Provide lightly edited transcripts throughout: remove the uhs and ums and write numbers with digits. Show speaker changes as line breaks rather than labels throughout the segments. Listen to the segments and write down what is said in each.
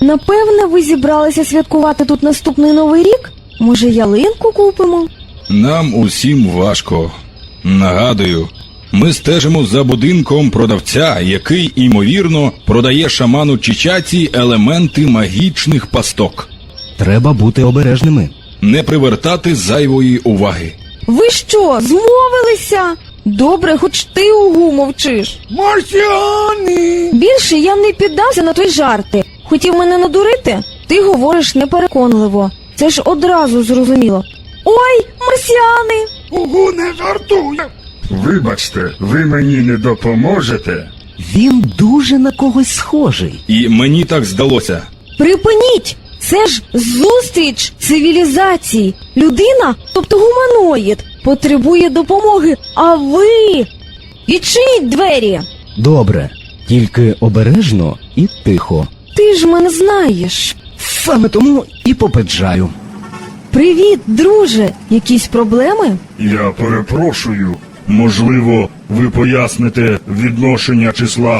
Напевне, ви зібралися святкувати тут наступний Новий рік? Може, ялинку купимо?
Нам усім важко. Нагадую, ми стежимо за будинком продавця, який, ймовірно, продає шаману Чичаці елементи магічних пасток.
Треба бути обережними.
Не привертати зайвої уваги.
Ви що, змовилися? Добре, хоч ти угу мовчиш.
Марсіани!
Більше я не піддався на твої жарти. Хотів мене надурити? Ти говориш непереконливо. Це ж одразу зрозуміло. Ой, марсіани!
Угу, не жартуй! Вибачте, ви мені не допоможете?
Він дуже на когось схожий.
І мені так здалося.
Припиніть! Це ж зустріч цивілізацій. Людина, тобто гуманоїд, потребує допомоги, а ви... Відчиніть двері!
Добре, тільки обережно і тихо.
Ти ж мене знаєш.
Саме тому і попереджаю.
Привіт, друже! Якісь проблеми?
Я перепрошую. Можливо, ви поясните відношення числа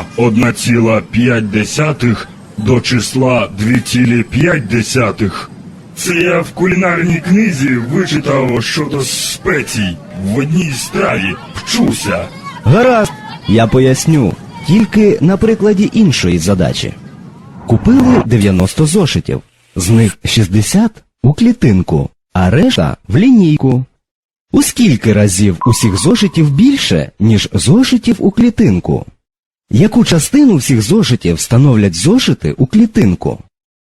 1,5 до числа 2,5? Це я в кулінарній книзі вичитав щодо спецій в одній страві. Вчуся.
Гаразд, я поясню, тільки на прикладі іншої задачі. Купили 90 зошитів, з них 60 у клітинку, а решта в лінійку. У скільки разів усіх зошитів більше, ніж зошитів у клітинку? Яку частину всіх зошитів становлять зошити у клітинку?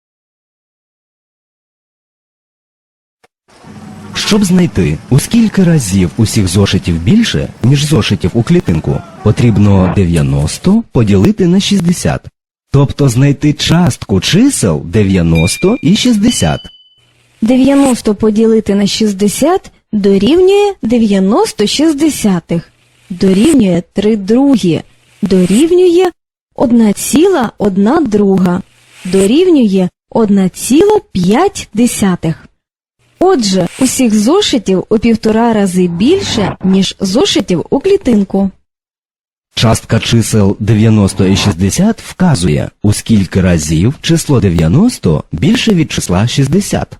Щоб знайти, у скільки разів усіх зошитів більше, ніж зошитів у клітинку, потрібно 90 поділити на 60. Тобто знайти частку чисел 90 і 60.
90 поділити на 60 дорівнює 90 шістдесятих, дорівнює 3 другі, дорівнює 1,1 друга, дорівнює 1,5. Отже, усіх зошитів у 1,5 рази більше, ніж зошитів у клітинку.
Частка чисел 90 і 60 вказує, у скільки разів число 90 більше від числа 60.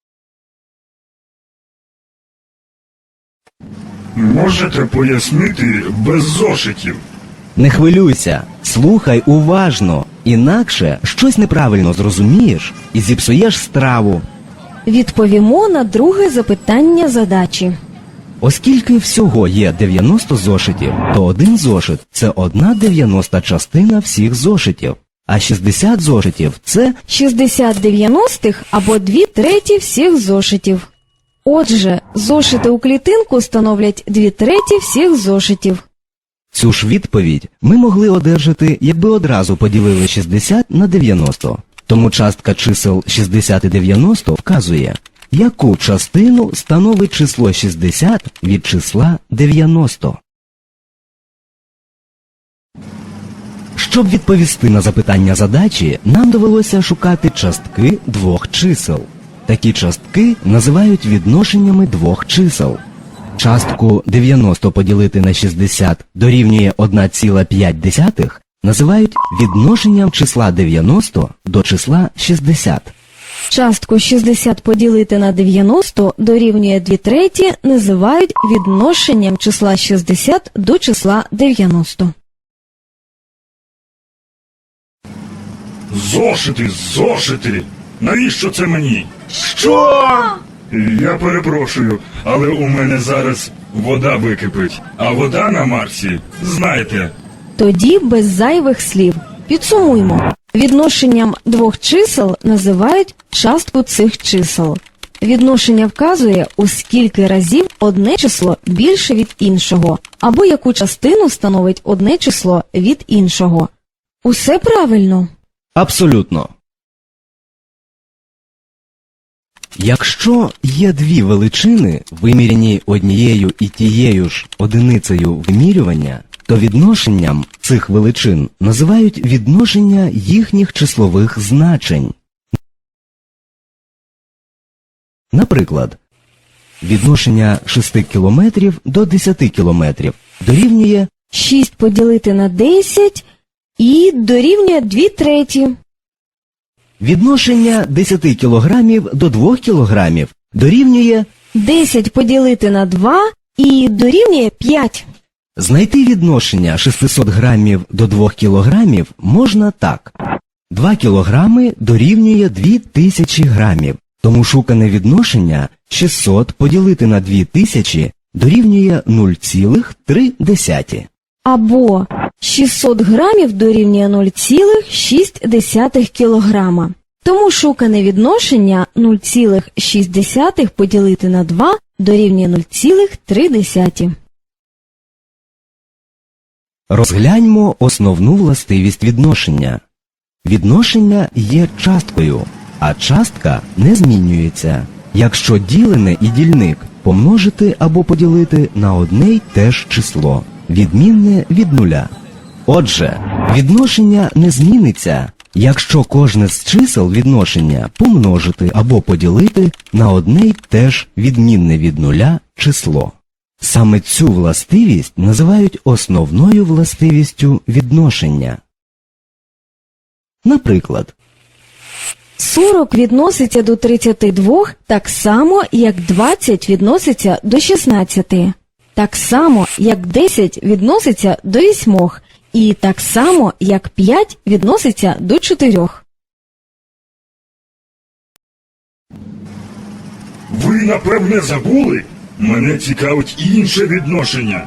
Можете пояснити без зошитів?
Не хвилюйся, слухай уважно, інакше щось неправильно зрозумієш і зіпсуєш страву.
Відповімо на друге запитання задачі.
Оскільки всього є 90 зошитів, то один зошит – це 1/90 частина всіх зошитів, а 60 зошитів – це
60 дев'яностих або 2/3 всіх зошитів. Отже, зошити у клітинку становлять 2/3 всіх зошитів.
Цю ж відповідь ми могли одержати, якби одразу поділили 60 на 90. Тому частка чисел 60 і 90 вказує, яку частину становить число 60 від числа 90. Щоб відповісти на запитання задачі, нам довелося шукати частки двох чисел. Такі частки називають відношеннями двох чисел. Частку 90 поділити на 60 дорівнює 1,5 називають відношенням числа 90 до числа 60.
Частку 60 поділити на 90 дорівнює 2/3 називають відношенням числа 60 до числа 90.
Зошити, зошити! Навіщо це мені? Що? Я перепрошую, але у мене зараз вода википить. А вода на Марсі, знаєте.
Тоді без зайвих слів. Підсумуймо. Відношенням двох чисел називають частку цих чисел. Відношення вказує, у скільки разів одне число більше від іншого, або яку частину становить одне число від іншого. Усе правильно?
Абсолютно. Якщо є дві величини, виміряні однією і тією ж одиницею вимірювання, то відношенням цих величин називають відношення їхніх числових значень. Наприклад, відношення 6 кілометрів до 10 кілометрів дорівнює
6 поділити на 10 і дорівнює 2/3.
Відношення 10 кілограмів до 2 кілограмів дорівнює
10 поділити на 2 і дорівнює 5.
знайти відношення 600 грамів до 2 кілограмів можна так. 2 кілограми дорівнює 2000 грамів, тому шукане відношення 600 поділити на 2000 дорівнює 0,3.
Або 600 грамів дорівнює 0,6 кілограма. Тому шукане відношення 0,6 поділити на 2 дорівнює 0,3.
Розгляньмо основну властивість відношення. Відношення є часткою, а частка не змінюється, якщо ділене і дільник помножити або поділити на одне й те ж число, відмінне від нуля. Отже, відношення не зміниться, якщо кожне з чисел відношення помножити або поділити на одне й те ж відмінне від нуля число. Саме цю властивість називають основною властивістю відношення. Наприклад,
40 відноситься до 32 так само, як 20 відноситься до 16. Так само, як 10 відноситься до 8. І так само, як 5 відноситься до 4.
Ви, напевне, забули? Мене цікавить інше відношення.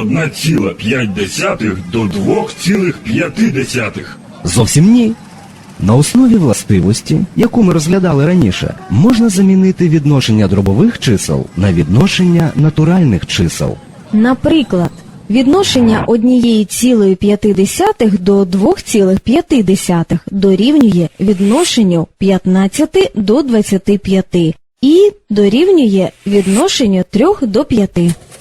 1,5 до 2,5.
зовсім ні. На основі властивості, яку ми розглядали раніше, можна замінити відношення дробових чисел на відношення натуральних чисел.
Наприклад, відношення 1,5 до 2,5 дорівнює відношенню 15 до 25 і дорівнює відношенню 3 до 5.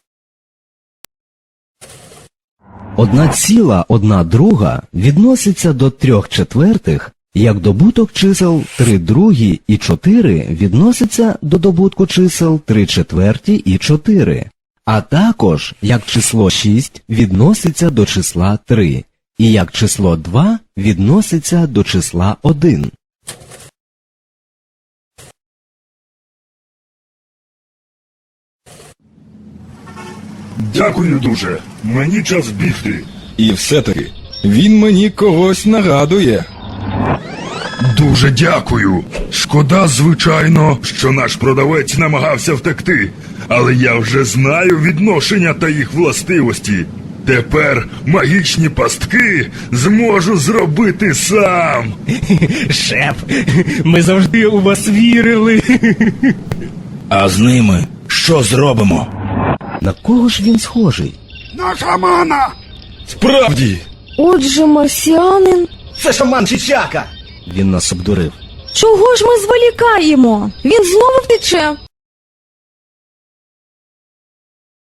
1,1 відноситься до 3/4, як добуток чисел 3/2 і 4 відноситься до добутку чисел 3/4 і 4, а також як число 6 відноситься до числа 3, і як число 2 відноситься до числа 1.
Дякую дуже. Мені час бігти.
І все-таки він мені когось нагадує.
Дуже дякую. Шкода, звичайно, що наш продавець намагався втекти, але я вже знаю відношення та їх властивості. Тепер магічні пастки зможу зробити сам.
Шеф, ми завжди у вас вірили.
А з ними що зробимо?
На кого ж він схожий?
На шамана!
Справді!
Отже, марсіанин,
Це шаман Чичака.
Він нас обдурив.
чого ж ми зволікаємо? Він знову втече.